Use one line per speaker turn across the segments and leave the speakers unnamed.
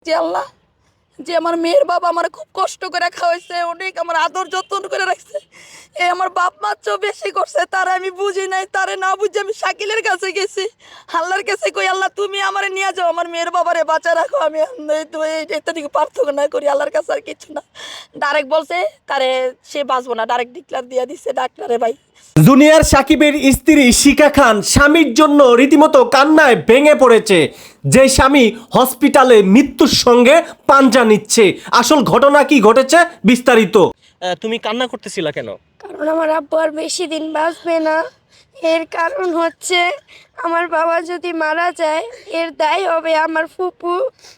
যে আল্লাহ, যে আমার মেয়ের বাবা আমার খুব কষ্ট করে খাওয়াইছে, অনেক আমার আদর যত্ন করে রাখছে। এই আমার বাপ মা চেয়েও বেশি করছে, তারা আমি বুঝি নাই, তারে না বুঝে আমি শাকিলের কাছে গেছি। আল্লাহর কাছে কই, আল্লাহ তুমি আমারে নিয়ে যাও, আমার মেয়ের বাবারে বাঁচা রাখো। আমি তো এটা থেকে পার্থক্য না করি, আল্লাহর কাছে আর কিছু না। ডাইরেক্ট বলছে তারে সে বাঁচবো না, ডাইরেক্ট ডিক্লার দিয়ে দিচ্ছে ডাক্তারে। ভাই,
জুনিয়র সাকিবের স্ত্রী শিখা খান স্বামীর জন্য রীতিমতো কান্নায় ভেঙে পড়েছে। যে স্বামী হসপিটালে মৃত্যুর সঙ্গে পাঞ্জা নিচ্ছে। আসল ঘটনা কি ঘটেছে বিস্তারিত। তুমি কান্না করতেছিলা কেন?
কারণ আমার আব্বু আর বেশি দিন বাঁচবে না। এর কারণ হচ্ছে আমার বাবা যদি মারা যায় এর দায় হবে আমার ফুপু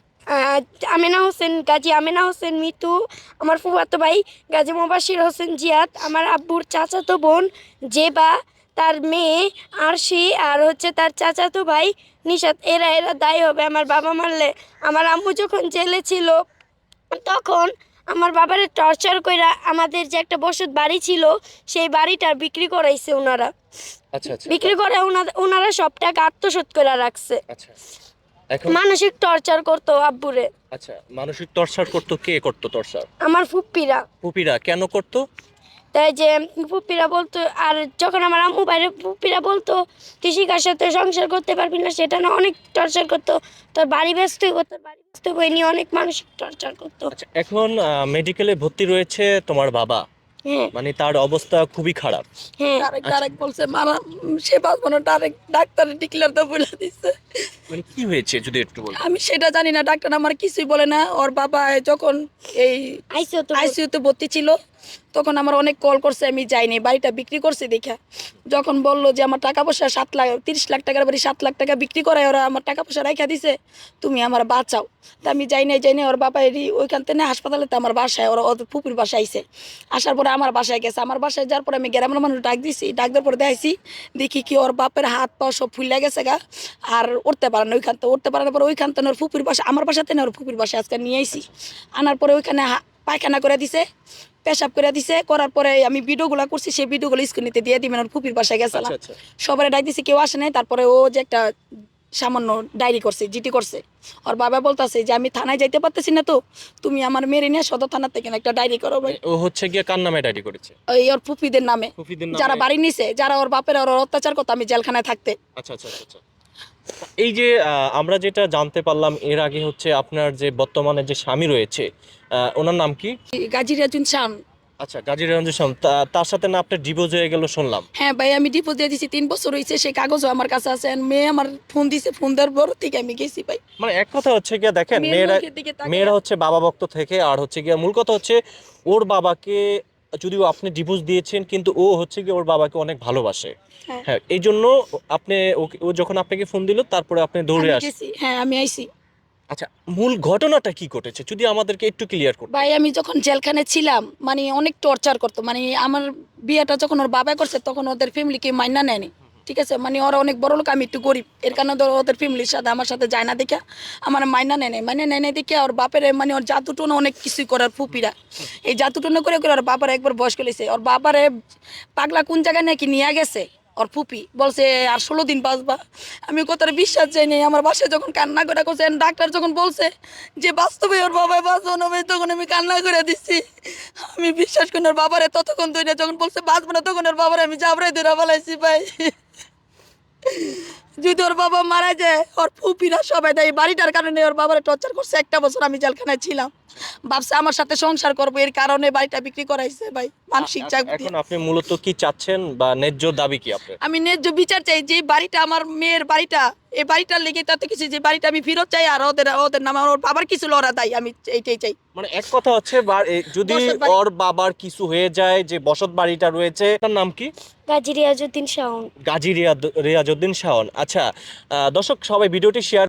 আমেনা হোসেন, গাজী আমেনা হোসেন মিতু, আমার ফুফাতো ভাই গাজী মোবাশির হোসেন জিয়াদ, আমার আব্বুর চাচাতো বোন জেবা, তার মেয়ে আরশি, আর হচ্ছে তার চাচাতো ভাই নিশাত। এরা দায়ী হবে আমার বাবা মারলে। আমার আম্মু যখন জেলে ছিল তখন আমার বাবারে টর্চার কইরা আমাদের যে একটা বসত বাড়ি ছিল সেই বাড়িটা বিক্রি করাইছে ওনারা।
আচ্ছা আচ্ছা
বিক্রি করে ওনারা সব টাকা আত্মসাৎ করে রাখছে।
আচ্ছা। এখন
মানসিক টর্চার করতো আব্বুরে।
আচ্ছা, মানসিক টর্চার করতো? কে করতো টর্চার?
আমার ফুপ্পিরা।
পুপিরা কেন করতো?
তাই যে ফুপ্পিরা বলতো, আর যখন আমার আম্মু বাইরে ফুপ্পিরা বলতো তুই শিখার সাথে সংসার করতে পারবি না, সেটা না অনেক টর্চার করতো। তোর বাড়ি ব্যস্ত করতো, বাড়ি ব্যস্ত বই নিয়ে অনেক মানসিক টর্চার করতো।
আচ্ছা, এখন মেডিকেলে ভর্তি রয়েছে তোমার বাবা,
হ্যাঁ
মানে তার অবস্থা খুবই খারাপ।
হ্যাঁ।
ডাইরেক্ট বলছে মারা, সে বাঁচবো না, ডাইরেক্ট ডাক্তারে ডিক্লার তো বলে দিচ্ছে।
মানে কি হয়েছে যদি একটু বল।
আমি সেটা জানি না, ডাক্তার আমার কিছুই বলে না। ওর বাবা যখন এই আইসিইউতে ভর্তি ছিল তখন আমার অনেক কল করছে, আমি যাইনি, বাড়িটা বিক্রি করছি দেখা। যখন বললো যে আমার টাকা পয়সা 30 লাখ টাকার বাড়ি 7 লাখ টাকা বিক্রি করায় ওরা আমার টাকা পয়সা রাখা দিছে, তুমি আমার বাঁচাও। তা আমি যাই নাই। ওর বাবা ওইখান থেকে হাসপাতালে তো আমার বাসায়, ওরা ওদের পুকুর বাসায় আইসে। আসার পরে আমার বাসায় গেছে। আমার বাসায় যাওয়ার পরে আমি গ্রামের মানুষ ডাক দিছি, ডাক দেওয়ার পরে দেখাইছি, দেখি কি ওর বাপের হাত পা সব ফুলে গেছে গা, আর উঠতে পারে না। ওইখান থেকে উঠতে পারার পরে ওইখান থেকে ওর ফুপির বাসা, আমার বাসাতে না, ওর ফুপির বাসায় আজকে নিয়ে আইসি। আনার পরে ওইখানে পায়খানা করে দিছে, পেশাব করে দিছে। করার পরে আমি ভিডিওগুলো করছি, সেই ভিডিওগুলো স্ক্রিনেতে দিয়ে দিবেন। ওর ফুপির বাসায় গেছিলাম, সবাই ডাক দিছে, কেউ আসে নাই। তারপরে ও যে একটা সামান্য ডায়েরি করছে, জিটি করছে। ওর বাবা বলতেছে যে আমি থানায় যাইতে পারতেছি না, তো তুমি আমার মেরে নিয়ে সদর থানা থেকে একটা ডায়েরি করো। ভাই,
ও হচ্ছে গিয়ে কার নামে ডায়েরি করেছে?
ওই ওর ফুপিদের নামে, যারা বাড়ি নিছে, যারা ওর বাপের ওর অত্যাচার করতো আমি জেলখানায় থাকতে।
আচ্ছা আচ্ছা আচ্ছা। এই যে আমরা যেটা জানতে পারলাম এর আগে হচ্ছে আপনার যে বর্তমানে যে স্বামী রয়েছে, ওনার নাম কি?
গাজী রাজুন শান।
আচ্ছা, গাজী রঞ্জন শাহ। তার সাথে না আপনার ডিভোর্স হয়ে গেল শুনলাম।
হ্যাঁ ভাই, আমি ডিপোজিট দিয়ে দিছি, 3 বছর হয়েছে, সেই কাগজও আমার কাছে আছে। মেয়ে আমার ফোন দিছে, ফোন দেওয়ার পর থেকে আমি গেছি ভাই।
মানে এক কথা হচ্ছে গিয়ে দেখেন,
মেয়ের মুখের দিকে তাকিয়ে
মেয়েরা হচ্ছে বাবা ভক্ত থেকে, আর হচ্ছে গিয়ে মূল কথা হচ্ছে ওর বাবাকে, যদিও আপনি ডিভোর্স দিয়েছেন কিন্তু ও হচ্ছে গিয়ে ওর বাবাকে অনেক ভালোবাসে।
হ্যাঁ,
হ্যাঁ, এই জন্য আপনি ও যখন আপনাকে ফোন দিল তারপরে আপনি দৌড়ে
আমি
আসেন।
গেছি। হ্যাঁ, আমি আইছি।
আচ্ছা, মূল ঘটনাটা কি ঘটেছে যদি আমাদেরকে একটু ক্লিয়ার করতে।
ভাই, আমি যখন জেলখানে ছিলাম, মানে অনেক টর্চার করতো। মানে আমার বিয়েটা যখন ওর বাবা করছে তখন ওদের ফ্যামিলিকে মাইনা নেয়নি, ঠিক আছে। মানে ওরা অনেক বড় লোক, আমি একটু গরিব, এর কারণে ধরো ওদের ফ্যামিলির সাথে আমার সাথে যায় না দেখে আমার মাইনা নেয় নাই। মাইনা নেয় নাই দেখে ওর বাপের, মানে ওর জাতুটুনো অনেক কিছুই করে ওর ফুপিরা। এই জাতুটুনো করে করে ওর বাবার একবার বয়স করেছে। ওর বাবারে পাগলা কোন জায়গায় নাকি নিয়ে গেছে ওর ফুপি, বলছে আর 16 দিন বাঁচবা। আমি কথাটা বিশ্বাস চাই নাই। আমার বাসায় যখন কান্না করে করছে, ডাক্তার যখন বলছে যে বাস্তবে ওর বাবা বাঁচবো না, তখন আমি কান্না করে দিচ্ছি। আমি বিশ্বাস করি না। ওর বাবারে ততক্ষণ ধরে যখন বলছে বাঁচবো না, তখন ওর বাবারে আমি জাবরাই ধরে ফেলাইছি ভাই। যদি ওর বাবা মারা যায়, ওর ফুপিরা সবাই দেয় বাড়িটার কারণে ওর বাবারে টর্চার করছে। 1টা বছর আমি জেলখানায় ছিলাম, ভাবছে আমার সাথে সংসার করবো, এর কারণে বাড়িটা বিক্রি করাইছে ভাই, মানসিক চাপ দিয়ে।
এখন আপনি মূলত কি চাচ্ছেন বা ন্যায্য দাবি কি আপনার?
আমি ন্যায্য বিচার চাই। যে বাড়িটা আমার মেয়ের বাড়িটা, এই বাড়িটার লেগে তাতে কিছু, যে বাড়িটা আমি ফেরত চাই, আর ওদের ওদের নামে ওর বাবার কিছু লড়া দেয়, আমি এইটাই চাই।
মানে এক কথা হচ্ছে যদি
বসত বাড়ি।
ওর বাবার কিছু হয়ে যায়, যে বসত বাড়িটা রয়েছে তার নাম কি?
গাজী রিয়াজউদ্দিন শাওন।
গাজী রিয়াজউদ্দিন শাওন। আচ্ছা, দর্শক সবাই ভিডিওটি শেয়ার